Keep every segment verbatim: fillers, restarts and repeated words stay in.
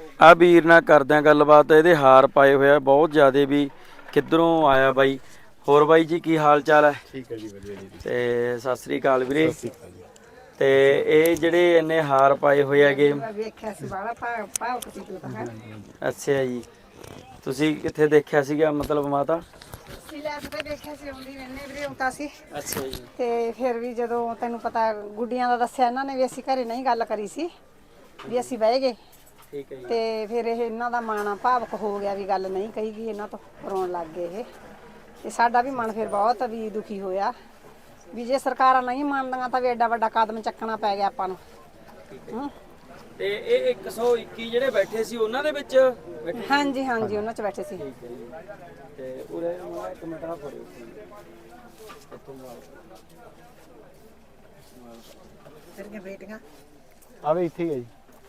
ਆ ਵੀਰ ਨਾਲ ਕਰਦੇ ਆ ਗੱलबात। ਇਹਦੇ ਹਾਰ ਪਾਏ ਹੋਇਆ ਬਹੁਤ ਜ਼ਿਆਦੇ ਵੀ ਕਿੱਧਰੋਂ ਆਇਆ ਬਾਈ। ਹੋਰ ਬਾਈ ਜੀ ਕੀ ਹਾਲ ਚਾਲ ਹੈ? ਠੀਕ ਹੈ ਜੀ, ਵਧੀਆ ਜੀ। ਤੇ ਸਤਿ ਸ੍ਰੀ ਅਕਾਲ ਵੀਰੇ। ਸਤਿ ਸ਼੍ਰੀ ਅਕਾਲ ਜੀ। ਤੇ ਇਹ ਜਿਹੜੇ ਇੰਨੇ ਹਾਰ ਪਾਏ ਹੋਏ ਹੈਗੇ, ਅੱਛਾ ਜੀ, ਤੁਸੀਂ ਕਿੱਥੇ ਦੇਖਿਆ ਸੀਗਾ ਮਤਲਬ ਮਾਤਾ? ਦੇਖਿਆ ਸੀ ਆਉਂਦੀ ਰਹਿੰਦੇ ਵੀਰੇ ਹੁੰਦਾ ਸੀ। ਅੱਛਾ ਜੀ। ਤੇ ਫਿਰ ਵੀ ਜਦੋਂ ਤੈਨੂੰ ਪਤਾ ਗੁੱਡੀਆਂ ਦਾ ਦੱਸਿਆ ਇਹਨਾਂ ਨੇ ਵੀ ਅਸੀਂ ਘਰੇ ਨਹੀਂ ਗੱਲ ਕਰੀ ਸੀ ਵੀ ਅਸੀਂ ਬਹਿ ਗਏ। ਠੀਕ ਹੈ ਜੀ। ਤੇ ਫਿਰ ਇਹ ਇਹਨਾਂ ਦਾ ਮਨ ਭਾਵਕ ਹੋ ਗਿਆ ਵੀ ਗੱਲ ਨਹੀਂ ਕਹੀ ਗਈ, ਇਹਨਾਂ ਤੋਂ ਰੋਣ ਲੱਗ ਗਏ ਇਹ। ਤੇ ਸਾਡਾ ਵੀ ਮਨ ਫਿਰ ਬਹੁਤ ਵੀ ਦੁਖੀ ਹੋਇਆ ਵੀ ਜੇ ਸਰਕਾਰਾਂ ਨਹੀਂ ਮੰਨਦੀਆਂ ਤਾਂ ਵੀ ਐਡਾ ਵੱਡਾ ਕਦਮ ਚੱਕਣਾ ਪੈ ਗਿਆ ਆਪਾਂ ਨੂੰ। ਹੂੰ। ਤੇ ਇਹ ਇੱਕ ਸੌ ਇੱਕੀ ਜਿਹੜੇ ਬੈਠੇ ਸੀ ਉਹਨਾਂ ਦੇ ਵਿੱਚ ਬੈਠੇ? ਹਾਂਜੀ ਹਾਂਜੀ ਉਹਨਾਂ 'ਚ ਬੈਠੇ ਸੀ। ਠੀਕ ਹੈ ਜੀ। ਤੇ ਉਰੇ ਮਾੜਾ ਇੱਕ ਮਿੰਟ ਆ ਫੜਿਓ ਇੱਥੋਂ ਮਾਰ ਤੇਰੀਆਂ ਬੇਟੀਆਂ ਆਵੇ ਇੱਥੇ ਹੀ ਹੈ ਜੀ।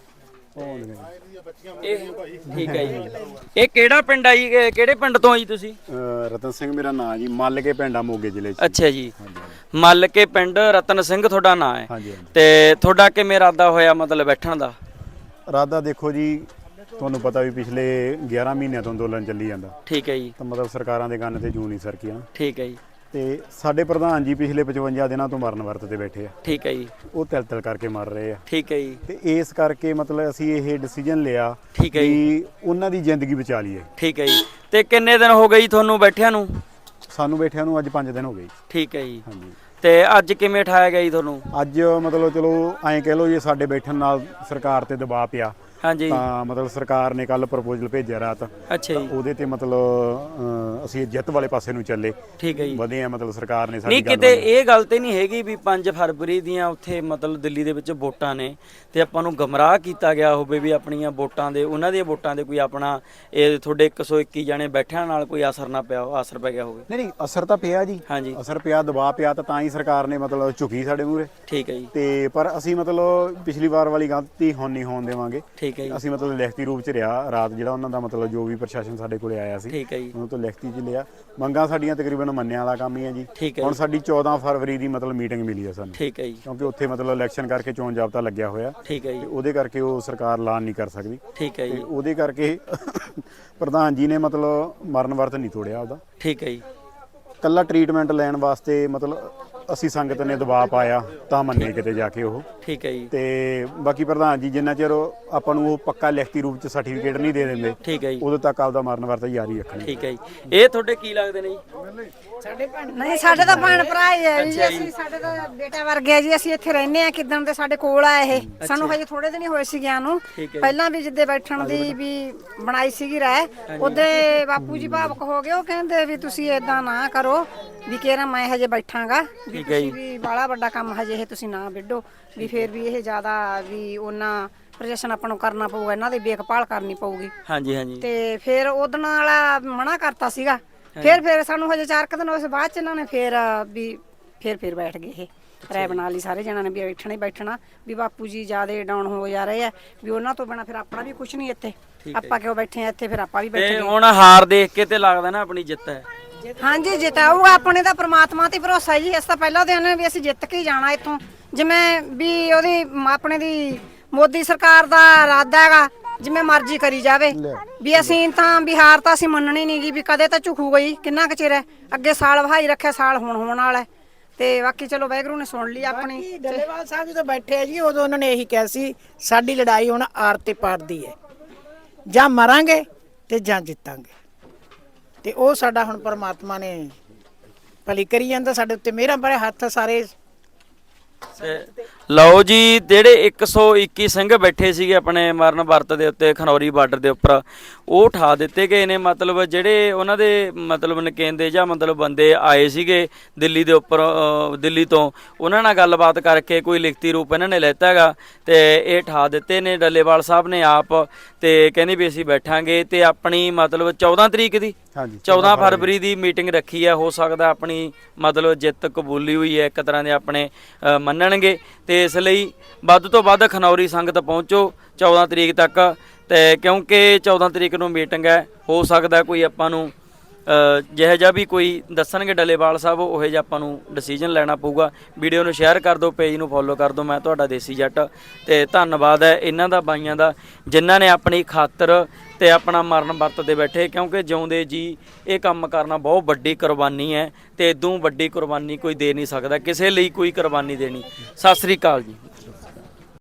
ਇਹ ਠੀਕ ਹੈ ਜੀ। ਇਹ ਕਿਹੜਾ ਪਿੰਡ ਆ ਜੀ? ਇਹ ਕਿਹੜੇ ਪਿੰਡ ਤੋਂ ਆ ਜੀ ਤੁਸੀਂ? ਰਤਨ ਸਿੰਘ ਮੇਰਾ ਨਾਮ ਜੀ, ਮੱਲ ਕੇ ਪਿੰਡ ਆ ਮੋਗੇ ਜ਼ਿਲ੍ਹੇ 'ਚ। ਅੱਛਾ ਜੀ। ਮੱਲ ਕੇ ਪਿੰਡ ਰਤਨ ਸਿੰਘ ਤੁਹਾਡਾ ਨਾਂ ਹੈ? ਹਾਂਜੀ ਹਾਂਜੀ। ਤੇ ਤੁਹਾਡਾ ਕਿਵੇਂ ਇਰਾਦਾ ਹੋਇਆ ਮਤਲਬ ਬੈਠਣ ਦਾ? ਇਰਾਦਾ ਦੇਖੋ ਜੀ, ਤੁਹਾਨੂੰ ਪਤਾ ਵੀ ਪਿਛਲੇ ਗਿਆਰਾਂ ਮਹੀਨਿਆਂ ਤੋਂ ਅੰਦੋਲਨ ਚੱਲੀ ਜਾਂਦਾ। ਠੀਕ ਹੈ ਜੀ। ਤਾਂ ਮਤਲਬ ਸਰਕਾਰਾਂ ਦੇ ਕੰਨ ਤੇ ਜੂੰ ਨਹੀਂ ਸਰਕੀਆਂ। ਠੀਕ ਹੈ ਜੀ। ਤੇ ਸਾਡੇ ਪ੍ਰਧਾਨ ਜੀ ਪਿਛਲੇ ਪਚਵੰਜਾ ਦਿਨਾਂ ਤੋਂ ਮਰਨ ਵਰਤ ਤੇ ਬੈਠੇ ਆ। ਠੀਕ ਹੈ ਜੀ। ਉਹ ਤਿਲ ਤਿਲ ਕਰਕੇ ਮਰ ਰਹੇ ਆ। ਠੀਕ ਹੈ ਜੀ। ਤੇ ਇਸ ਕਰਕੇ ਮਤਲਬ ਅਸੀਂ ਇਹ ਡਿਸੀਜਨ ਲਿਆ ਠੀਕ ਹੈ ਜੀ। ਵੀ ਉਹਨਾਂ ਦੀ ਜ਼ਿੰਦਗੀ ਬਚਾ ਲਈਏ। ਠੀਕ ਹੈ ਜੀ। ਤੇ ਕਿੰਨੇ ਦਿਨ ਹੋ ਗਏ ਜੀ ਤੁਹਾਨੂੰ ਬੈਠਿਆਂ ਨੂੰ? ਸਾਨੂੰ ਬੈਠਿਆਂ ਨੂੰ ਅੱਜ ਪੰਜ ਦਿਨ ਹੋ ਗਏ। ਠੀਕ ਹੈ ਜੀ। ਹਾਂਜੀ। ਤੇ ਅੱਜ ਕਿਵੇਂ ਉਠਾਇਆ ਗਿਆ ਜੀ ਤੁਹਾਨੂੰ? ਅੱਜ ਮਤਲਬ ਚਲੋ ਐਂ ਕਹਿ ਲਓ ਜੀ, ਸਾਡੇ ਬੈਠਣ ਨਾਲ ਸਰਕਾਰ ਤੇ ਦਬਾਅ ਪਿਆ। ਹਾਂਜੀ। ਤਾਂ ਮਤਲਬ ਸਰਕਾਰ ਨੇ ਕੱਲ ਪ੍ਰਪੋਜ਼ਲ ਭੇਜਿਆ ਰਾਤ। ਅੱਛਾ ਜੀ। ਉਹਦੇ ਤੇ ਮਤਲਬ ਅ, ਅਸੀਂ ਜਿੱਤ ਵਾਲੇ ਪਾਸੇ ਨੂੰ ਚੱਲੇ। ਠੀਕ ਹੈ ਜੀ। ਵਧੇ ਆ ਮਤਲਬ ਸਰਕਾਰ ਨੇ ਸਾਡੀ ਨਹੀਂ ਕਿਤੇ ਇਹ ਗੱਲ ਤੇ ਨਹੀਂ ਹੈਗੀ ਵੀ ਪੰਜ ਫਰਵਰੀ ਦੀਆਂ ਉੱਥੇ ਮਤਲਬ ਦਿੱਲੀ ਦੇ ਵਿੱਚ ਵੋਟਾਂ ਨੇ ਤੇ ਆਪਾਂ ਨੂੰ ਗਮਰਾਹ ਕੀਤਾ ਗਿਆ ਹੋਵੇ ਵੀ ਆਪਣੀਆਂ ਵੋਟਾਂ ਦੇ ਉਹਨਾਂ ਦੀਆਂ ਵੋਟਾਂ ਦੇ ਕੋਈ ਆਪਣਾ ਇਹ ਤੁਹਾਡੇ ਇੱਕ ਸੌ ਇੱਕੀ ਜਣੇ ਬੈਠਿਆਂ ਨਾਲ ਕੋਈ ਅਸਰ ਨਾ ਪਿਆ ਅਸਰ ਪੈ ਗਿਆ ਹੋਵੇ? ਨਹੀਂ ਨਹੀਂ, ਅਸਰ ਤਾਂ ਪਿਆ ਜੀ। ਹਾਂਜੀ। ਅਸਰ ਪਿਆ, ਦਬਾਅ ਪਿਆ, ਤਾਂ ਤਾਂ ਹੀ ਸਰਕਾਰ ਨੇ ਮਤਲਬ ਝੁਕੀ ਸਾਡੇ ਮੂਹਰੇ। ਠੀਕ ਹੈ ਜੀ। ਤੇ ਪਰ ਅਸੀਂ ਮਤਲਬ ਪਿਛਲੀ ਵਾਰ ਵਾਲੀ ਗਲਤੀ ਹੁਣ ਨਹੀਂ ਹੋਣ ਦੇਵਾਂਗੇ। ਠੀਕ ਹੈ ਜੀ। ਅਸੀਂ ਮਤਲਬ ਲਿਖਤੀ ਰੂਪ ਚ ਰਿਹਾ ਰਾਤ, ਜਿਹੜਾ ਉਹਨਾਂ ਦਾ ਮਤਲਬ ਜੋ ਵੀ ਪ੍ਰਸ਼ਾਸਨ ਸਾਡੇ ਕੋਲੇ ਆਇਆ ਸੀ ਠੀਕ ਹੈ ਜੀ। ਉਹਨਾਂ ਤੋਂ ਲਿਖਤੀ ਚ ਲਿਆ। ਮੰਗਾਂ ਸਾਡੀਆਂ ਤਕਰੀਬਨ ਮੰਨਣ ਵਾਲਾ ਕੰਮ ਹੀ ਹੈ ਜੀ। ਠੀਕ ਹੈ ਹੁਣ ਜੀ। ਸਾਡੀ ਚੌਦਾਂ ਫਰਵਰੀ ਦੀ ਮਤਲਬ ਮੀਟਿੰਗ ਮਿਲੀ ਹੈ ਸਾਨੂੰ। ਠੀਕ ਹੈ ਜੀ। ਕਿਉਂਕਿ ਉੱਥੇ ਮਤਲਬ ਇਲੈਕਸ਼ਨ ਕਰਕੇ ਚੋਣ ਜਾਬਤਾ ਲੱਗਿਆ ਹੋਇਆ। ਠੀਕ ਹੈ ਤੇ ਜੀ। ਉਹਦੇ ਕਰਕੇ ਉਹ ਸਰਕਾਰ ਐਲਾਨ ਨਹੀਂ ਕਰ ਸਕਦੀ। ਠੀਕ ਹੈ ਤੇ ਜੀ। ਉਹਦੇ ਕਰਕੇ ਪ੍ਰਧਾਨ ਜੀ ਨੇ ਮਤਲਬ ਮਰਨ ਵਰਤ ਨਹੀਂ ਤੋੜਿਆ ਉਹਦਾ। ਠੀਕ ਹੈ ਜੀ। ਕੱਲਾ ਟ੍ਰੀਟਮੈਂਟ ਲੈਣ ਵਾਸਤੇ ਮਤਲਬ ਅਸੀਂ ਸੰਗਤ ਨੇ ਦਬਾਅ ਪਾਇਆ ਤਾਂ ਮੰਨੇ ਕਿਤੇ ਜਾ ਕੇ ਉਹ। ਠੀਕ ਹੈ ਜੀ। ਤੇ ਬਾਕੀ ਪ੍ਰਧਾਨ ਜੀ ਜਿੰਨਾ ਚਿਰ ਆਪਾਂ ਨੂੰ ਉਹ ਪੱਕਾ ਲਿਖਤੀ ਰੂਪ ਚ ਸਰਟੀਫਿਕੇਟ ਨਹੀਂ ਦੇ ਦਿੰਦੇ, ਠੀਕ ਹੈ ਜੀ। ਉਦੋਂ ਤੱਕ ਆਪਦਾ ਮਰਨ ਵਰਤ ਜਾਰੀ ਰੱਖਣਾ। ਠੀਕ ਹੈ ਜੀ। ਇਹ ਤੁਹਾਡੇ ਕੀ ਲੱਗਦੇ ਨੇ ਜੀ? ਸਾਡੇ ਭੈਣ ਨਹੀਂ, ਸਾਡੇ ਤਾਂ ਭੈਣ ਭਰਾ ਹੀ ਹੈ ਜੀ। ਅਸੀਂ ਸਾਡੇ ਤਾਂ ਬੇਟਾ ਵਰਗੇ ਜੀ। ਅਸੀਂ ਇੱਥੇ ਰਹਿੰਦੇ ਆ, ਕਿਦਾਂ ਦੇ ਸਾਡੇ ਕੋਲ ਆ ਇਹ। ਸਾਨੂੰ ਹਜੇ ਥੋੜੇ ਦਿਨ ਹੀ ਹੋਏ ਸੀ ਗਿਆ ਨੂੰ। ਪਹਿਲਾਂ ਵੀ ਜਿੱਦੇ ਬੈਠਣ ਦੀ ਵੀ ਬਣਾਈ ਸੀਗੀ ਰਾਏ, ਉਹਦੇ ਬਾਪੂ ਜੀ ਭਾਵਕ ਹੋ ਗਏ। ਉਹ ਕਹਿੰਦੇ ਵੀ ਤੁਸੀਂ ਏਦਾਂ ਨਾ ਕਰੋ ਵੀ ਕਿਹੜਾ ਮੈਂ ਹਜੇ ਬੈਠਾਂਗਾ ਵੀ ਤੁਸੀਂ ਵੀ ਬਾਲਾ ਵੱਡਾ ਕੰਮ ਹਜੇ ਇਹ ਤੁਸੀਂ ਨਾ ਵਿੱਢੋ ਵੀ ਫੇਰ ਵੀ ਇਹ ਜ਼ਿਆਦਾ ਵੀ ਉਹਨਾਂ ਪ੍ਰੋਜੈਕਸ਼ਨ ਆਪਾਂ ਨੂੰ ਕਰਨਾ ਪਊਗਾ, ਇਹਨਾਂ ਦੀ ਦੇਖਭਾਲ ਕਰਨੀ ਪਊਗੀ। ਹਾਂਜੀ ਹਾਂਜੀ। ਤੇ ਫਿਰ ਉਹਦਣ ਵਾਲਾ ਮਨਾ ਕਰਤਾ ਸੀਗਾ। ਫਿਰ ਫਿਰ ਸਾਨੂੰ ਹਜੇ ਚਾਰ ਕੁ ਦਿਨ ਉਸ ਬਾਅਦ ਚ ਇਹਨਾਂ ਨੇ ਫਿਰ ਵੀ ਫਿਰ ਫਿਰ ਬੈਠ ਗਏ ਇਹ ਰਾਏ ਬਣਾ ਲਈ ਸਾਰੇ ਜਣਾਂ ਨੇ ਵੀ ਬੈਠਣਾ ਹੀ ਬੈਠਣਾ ਵੀ ਬਾਪੂ ਜੀ ਜ਼ਿਆਦਾ ਡਾਊਨ ਹੋ ਜਾ ਰਹੇ ਆ ਵੀ ਉਹਨਾਂ ਤੋਂ ਬਿਨਾਂ ਫਿਰ ਆਪਣਾ ਵੀ ਕੁਝ ਨਹੀਂ ਇੱਥੇ। ਆਪਾਂ ਕਿਉਂ ਬੈਠੇ ਆ ਇੱਥੇ? ਫਿਰ ਆਪਾਂ ਵੀ ਬੈਠੇ। ਤੇ ਹੁਣ ਹਾਰ ਦੇਖ ਕੇ ਤੇ ਲੱਗਦਾ ਨਾ ਆਪਣੀ ਜਿੱਤ ਹੈ। ਹਾਂਜੀ ਜਿਤਾਊਗਾ, ਆਪਣੇ ਤਾਂ ਪ੍ਰਮਾਤਮਾ ਤੇ ਭਰੋਸਾ ਜੀ। ਇਸ ਤਾਂ ਪਹਿਲਾਂ ਦਿਨ ਵੀ ਅਸੀਂ ਜਿੱਤ ਕੇ ਹੀ ਜਾਣਾ ਇੱਥੋਂ। ਜਿਵੇਂ ਵੀ ਉਹਦੀ ਆਪਣੇ ਦੀ ਮੋਦੀ ਸਰਕਾਰ ਦਾ ਇਰਾਦਾ ਹੈਗਾ ਜਿਵੇਂ ਮਰਜ਼ੀ ਕਰੀ ਜਾਵੇ ਵੀ ਅਸੀਂ ਤਾਂ ਬਿਹਾਰ ਤਾਂ ਅਸੀਂ ਮੰਨਣੀ ਨਹੀਂ ਗੀ ਵੀ ਕਦੇ ਤਾਂ ਝੁਕੂ ਗਈ। ਕਿੰਨਾ ਕੁ ਚਿਰ ਹੈ ਅੱਗੇ ਸਾਲ ਵਹਾਈ ਰੱਖਿਆ, ਸਾਲ ਹੁਣ ਹੋਣ ਵਾਲਾ ਤੇ ਬਾਕੀ ਚਲੋ ਵਾਹਿਗੁਰੂ ਨੇ ਸੁਣ ਲਈ ਆਪਣੀ। ਡੱਲੇਵਾਲ ਸਾਹਿਬ ਜਦੋਂ ਬੈਠੇ ਆ ਜੀ, ਉਦੋਂ ਉਹਨਾਂ ਨੇ ਇਹੀ ਕਿਹਾ ਸੀ ਸਾਡੀ ਲੜਾਈ ਹੁਣ ਆਰ ਤੇ ਪਾਰ ਦੀ ਹੈ, ਜਾਂ ਮਰਾਂਗੇ ਤੇ ਜਾਂ ਜਿੱਤਾਂਗੇ। ਤੇ ਉਹ ਸਾਡਾ ਹੁਣ ਪਰਮਾਤਮਾ ਨੇ ਭਲੀ ਕਰੀ ਜਾਂਦਾ ਸਾਡੇ ਉੱਤੇ। ਮੇਰਾ ਬੜੇ ਹੱਥ ਸਾਰੇ ਲਓ ਜੀ, ਜਿਹੜੇ ਇੱਕ ਸੌ ਇੱਕੀ ਸਿੰਘ ਬੈਠੇ ਸੀਗੇ ਆਪਣੇ ਮਰਨ ਵਰਤ ਦੇ ਉੱਤੇ ਖਨੌਰੀ ਬਾਰਡਰ ਦੇ ਉੱਪਰ, ਉਹ ਉਠਾ ਦਿੱਤੇ ਗਏ ਨੇ। ਮਤਲਬ ਜਿਹੜੇ ਉਹਨਾਂ ਦੇ ਮਤਲਬ ਨਕੇਂਦੇ ਜਾਂ ਮਤਲਬ ਬੰਦੇ ਆਏ ਸੀਗੇ ਦਿੱਲੀ ਦੇ ਉੱਪਰ, ਦਿੱਲੀ ਤੋਂ, ਉਹਨਾਂ ਨਾਲ ਗੱਲਬਾਤ ਕਰਕੇ ਕੋਈ ਲਿਖਤੀ ਰੂਪ ਇਹਨਾਂ ਨੇ ਲੈਤਾ ਹੈਗਾ ਤੇ ਇਹ ਉਠਾ ਦਿੱਤੇ ਨੇ ਡੱਲੇਵਾਲ ਸਾਹਿਬ ਨੇ ਆਪ। ਤੇ ਕਹਿੰਦੇ ਵੀ ਅਸੀਂ ਬੈਠਾਂਗੇ ਤੇ ਆਪਣੀ ਮਤਲਬ ਚੌਦਾਂ ਤਰੀਕ ਦੀ ਚੌਦਾਂ ਫਰਵਰੀ ਦੀ ਮੀਟਿੰਗ ਰੱਖੀ ਹੈ। ਹੋ ਸਕਦਾ ਆਪਣੀ ਮਤਲਬ ਜਿੱਤ ਕਬੂਲੀ ਹੋਈ ਹੈ ਇੱਕ ਤਰ੍ਹਾਂ ਦੇ ਆਪਣੇ ਮੰਨਣਗੇ। ਤੇ ਇਸ ਲਈ ਵੱਧ ਤੋਂ ਵੱਧ ਖਨੌਰੀ ਸੰਗਤ ਪਹੁੰਚੋ ਚੌਦਾਂ ਤਰੀਕ ਤੱਕ। ਤੇ ਕਿਉਂਕਿ ਚੌਦਾਂ ਤਰੀਕ ਨੂੰ ਮੀਟਿੰਗ ਹੈ, ਹੋ ਸਕਦਾ ਕੋਈ ਆਪਾਂ ਨੂੰ ਜਿਹੋ ਜਿਹਾ ਵੀ ਕੋਈ ਦੱਸਣਗੇ ਡੱਲੇਵਾਲ ਸਾਹਿਬ ਉਹੋ ਜਿਹਾ ਆਪਾਂ ਨੂੰ ਡਿਸੀਜਨ ਲੈਣਾ ਪਊਗਾ। ਵੀਡੀਓ ਨੂੰ ਸ਼ੇਅਰ ਕਰ ਦਿਓ, ਪੇਜ ਨੂੰ ਫੋਲੋ ਕਰ ਦਿਓ। ਮੈਂ ਤੁਹਾਡਾ ਦੇਸੀ ਜੱਟ ਤੇ ਧੰਨਵਾਦ ਹੈ ਇਹਨਾਂ ਦਾ ਬਾਈਆਂ ਦਾ ਜਿਨ੍ਹਾਂ ਨੇ ਆਪਣੀ ਖਾਤਰ ਤੇ ਆਪਣਾ ਮਰਨ ਵਰਤ ਦੇ ਬੈਠੇ, ਕਿਉਂਕਿ ਜਿਉਂਦੇ ਜੀ ਇਹ ਕੰਮ ਕਰਨਾ ਬਹੁਤ ਵੱਡੀ ਕੁਰਬਾਨੀ ਹੈ ਤੇ ਇਦੋਂ ਵੱਡੀ ਕੁਰਬਾਨੀ ਕੋਈ ਦੇ ਨਹੀਂ ਸਕਦਾ, ਕਿਸੇ ਲਈ ਕੋਈ ਕੁਰਬਾਨੀ ਦੇਣੀ। ਸਤਿ ਸ੍ਰੀ ਅਕਾਲ ਜੀ।